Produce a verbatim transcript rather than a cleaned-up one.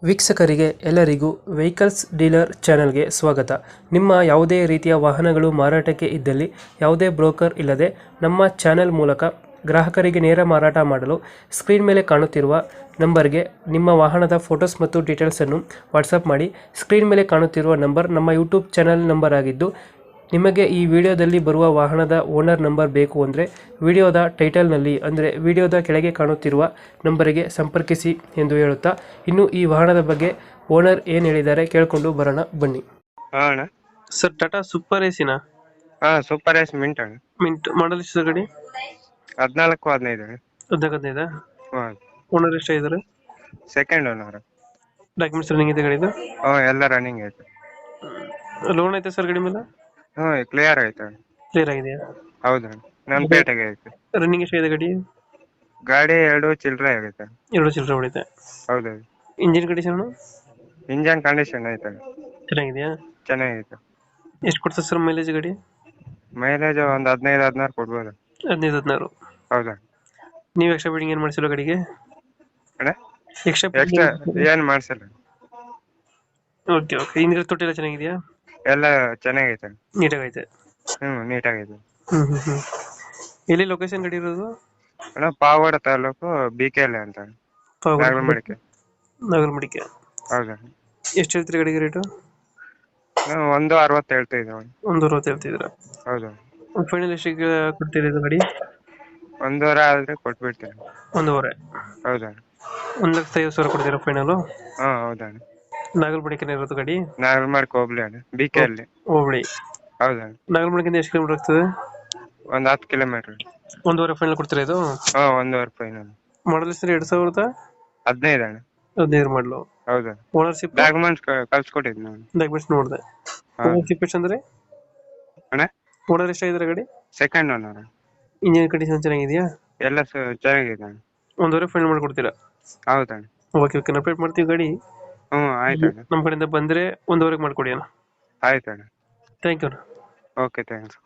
ವೀಕ್ಷಕರಿಗೆ ಎಲ್ಲರಿಗೂ vehicles dealer ಚಾನೆಲ್ಗೆ ಸ್ವಾಗತ. ನಿಮ್ಮ ಯಾವುದೇ ರೀತಿಯ ವಾಹನಗಳು ಮಾರಾಟಕ್ಕೆ ಇದ್ದಲ್ಲಿ ಯಾವುದೇ ಬ್ರೋಕರ್ ಇಲ್ಲದೆ ನಮ್ಮ ಚಾನೆಲ್ ಮೂಲಕ ಗ್ರಾಹಕರಿಗೆ ನೇರ ಮಾರಾಟ ಮಾಡಲು ಸ್ಕ್ರೀನ್ ಮೇಲೆ ಕಾಣುತ್ತಿರುವ ನಂಬರ್ಗೆ ನಿಮ್ಮ ವಾಹನದ ಫೋಟೋಸ್ ಮತ್ತು ಡೀಟೇಲ್ಸನ್ನು ವಾಟ್ಸಪ್ ಮಾಡಿ. ಸ್ಕ್ರೀನ್ ಮೇಲೆ ಕಾಣುತ್ತಿರುವ ನಂಬರ್ ನಮ್ಮ ಯೂಟ್ಯೂಬ್ ಚಾನೆಲ್ ನಂಬರ್ ಆಗಿದ್ದು, ನಿಮಗೆ ಈ ವಿಡಿಯೋದಲ್ಲಿ ಬರುವ ವಾಹನದ ಓನರ್ ನಂಬರ್ ಬೇಕು ಅಂದರೆ ವಿಡಿಯೋದ ಟೈಟಲ್ನಲ್ಲಿ ಅಂದರೆ ವಿಡಿಯೋದ ಕೆಳಗೆ ಕಾಣುತ್ತಿರುವ ನಂಬರಿಗೆ ಸಂಪರ್ಕಿಸಿ ಎಂದು ಹೇಳುತ್ತಾ, ಇನ್ನು ಈ ವಾಹನದ ಬಗ್ಗೆ ಓನರ್ ಏನು ಹೇಳಿದ್ದಾರೆ ಕೇಳಿಕೊಂಡು ಬರೋಣ ಬನ್ನಿ. ಹಾ ಅಣ್ಣ. ಸರ್, ಟಾಟಾ ಸೂಪರ್ ಎಸಿನ ಹಾ ಸೂಪರ್ ಎಸ್ ಮಿಂಟ್ ಅಣ್ಣ. ಮಿಂಟ್ ಮಾಡಲ್ ಎಷ್ಟು ಗಾಡಿ? ಹದಿನಾಲ್ಕು ಹದಿನೈದು ಅಣ್ಣ. ಹದಿನಾಲ್ಕು ಹದಿನೈದಾ? ಹಾ ಓನರ್ ಎಷ್ಟಾಗಿದ್ದಾರೆ? Second owner. ಡಾಕ್ಯುಮೆಂಟ್ಸ್ ರನ್ನಿಂಗ್ ಇದೆ ಗಾಡಿದು? ಹಾ ಎಲ್ಲ ರನ್ನಿಂಗ್ ಐತೆ. ಲೋನ್ ಐತೆ ಸರ್ ಗಾಡಿ ಮೇಲೆ? ಹ್ಞೂ ಕ್ಲಿಯರ್ ಐತೆ ಅಣ್ಣ. ಕ್ಲಿಯರ್ ಆಗಿದೆಯಾ? ಹೌದು ಅಣ್ಣ, ನನ್ನ ಪೇಟೆಗೆ ಐತೆ. ರನ್ನಿಂಗ್ ಎಷ್ಟಾಗಿದೆ ಗಾಡಿ? ಗಾಡಿ ಎರಡು ಚಿಲ್ಲರೆ ಆಗೈತೆ. ಎರಡು ಚಿಲ್ಲರೆ ಹೊಡಿತೆ. ಹೌದು. ಇಂಜಿನ್ ಕಂಡೀಷನ್ ಇಂಜನ್ ಕಂಡೀಷನ್ ಐತೆ ಅಣ್ಣ. ಚೆನ್ನಾಗಿದೆಯಾ? ಚೆನ್ನಾಗೈತೆ. ಎಷ್ಟು ಕೊಡ್ತದೆ ಸರ್ ಮೈಲೇಜ್ ಗಾಡಿ? ಮೈಲೇಜ್ ಒಂದು ಹದಿನೈದು ಹದಿನಾರು ಕೊಡ್ಬೋದು. ಹದಿನೈದು ಹದಿನಾರು. ಹೌದಾ? ನೀವು ಎಕ್ಸ್ಟ್ರಾ ಬಿಲ್ಡಿಂಗ್ ಏನು ಮಾಡಿಸಿಲ್ಲ ಗಾಡಿಗೆ? ಅಣ್ಣ ಎಕ್ಸ್ಟ್ರಾ ಎಕ್ಸ್ಟ್ರಾ ಏನು ಮಾಡ್ಸಿಲ್ಲ. Okay okay. ಹಿಂದಿನ ತೊಟ್ಟಿ ಎಲ್ಲ ಚೆನ್ನಾಗಿದೆಯಾ? ಎಲ್ಲ ಚೆನ್ನಾಗೈತೆ. ನೀಟಾಗೈತೆ. ಹ್ಞೂ ನೀಟಾಗೈತೆ. ಹ್ಞೂ ಹ್ಞೂ ಹ್ಞೂ ಎಲ್ಲಿ ಲೊಕೇಶನ್ ಗಾಡಿ ಇರೋದು? ಅಣ್ಣ Pavagada taluk B K L ಅಂತ ನಾಗರಮಡಿಕೆ. ನಾಗರಮಡಿಕೆ. ಹೌದಾ? ಎಷ್ಟು ಹೇಳ್ತೀರಿ ಗಾಡಿಗೆ ರೇಟು? ನಾವು ಒಂದು ಅರವತ್ತು ಹೇಳ್ತಾ ಇದ್ದೇವೆ. ಒಂದು ಅರವತ್ತು ಹೇಳ್ತಿದ್ದೀರಾ? ಹೌದು. ಫೈನಲ್ ಎಷ್ಟಿಗೆ ಕೊಡ್ತೀರಿ ಇದು ಗಾಡಿ? ಒಂದೂವರೆ ಆದ್ರೆ ಕೊಟ್ಬಿಡ್ತೇನೆ. ಒಂದೂವರೆ? ಹೌದಾ? ಒಂದು ಲಕ್ಷದ ಐವತ್ತು ಸಾವಿರ ಕೊಡ್ತೀರಾ ಫೈನಲು? ಹಾ ಹೌದಾ? ನಾಗರಮಡಿಕೆನೇ ಇರೋದು ಗಾಡಿ? ನಾಗರಮಡಿಕೆ ಹೋಗ್ಲಿ ಅಣ್ಣ, ಬಿ ಕೆ ಅಲ್ಲಿ. ಹೋಬಳಿ. ಹೌದಾ? ನಾಗರಮಡಿಕೆಯಿಂದ ಎಷ್ಟು ಕಿಲೋಮೀಟರ್ ಆಗ್ತದೆ? ಒಂದ್ ಹತ್ತು ಕಿಲೋಮೀಟರ್. ಒಂದೂವರೆ ಫೈನಲ್ ಕೊಡ್ತೀರಾ ಇದು? ಹಾ ಒಂದೂವರೆ ಫೈನಲ್. ಮಾಡಲ್ ಹೆಸರು ಎರಡ್ ಸಾವಿರದ ಹದಿನೈದು ಅಣ್ಣ. ಹದಿನೈದು ಮಾಡಲು. ಹೌದಾ? ಓನರ್ಶಿಪ್ ಡಾಕ್ಯುಮೆಂಟ್ಸ್ ಕಳ್ಸಿಕೊಟ್ಟಿದ್ ನಾನು. ಡಾಕ್ಯುಮೆಂಟ್ಸ್ ನೋಡಿದೆ. ಹಾ. ಓನರ್ಶಿಪ್ ಎಷ್ಟು ಅಂದ್ರೆ? ಅಣ್ಣ ಓನರ್ ಎಷ್ಟಾಗಿದ್ದಾರೆ ಗಾಡಿ? Second owner. ಇಂಜಿನ್ ಕಂಡೀಷನ್ ಚೆನ್ನಾಗಿದೆಯಾ? ಎಲ್ಲ ಸ- ಚೆನ್ನಾಗಿದೆ ಅಣ್ಣ. ಒಂದೂವರೆ ಫೈನಲ್ ಮಾಡ್ಕೊಡ್ತೀರಾ? ಹೌದಣ್ಣ. Okay okay. ಅಪ್ಡೇಟ್ ಮಾಡ್ತೀವಿ ಗಾಡಿ. ಹ್ಞೂ ಆಯ್ತಣ್ಣ. ನಮ್ಮ ಕಡೆಯಿಂದ ಬಂದರೆ ಒಂದೂವರೆಗೆ ಮಾಡ್ಕೊಡಿ ಅಣ್ಣ. ಆಯ್ತಣ್ಣ. ಥ್ಯಾಂಕ್ ಯು ಅಣ್ಣ. Okay thanks.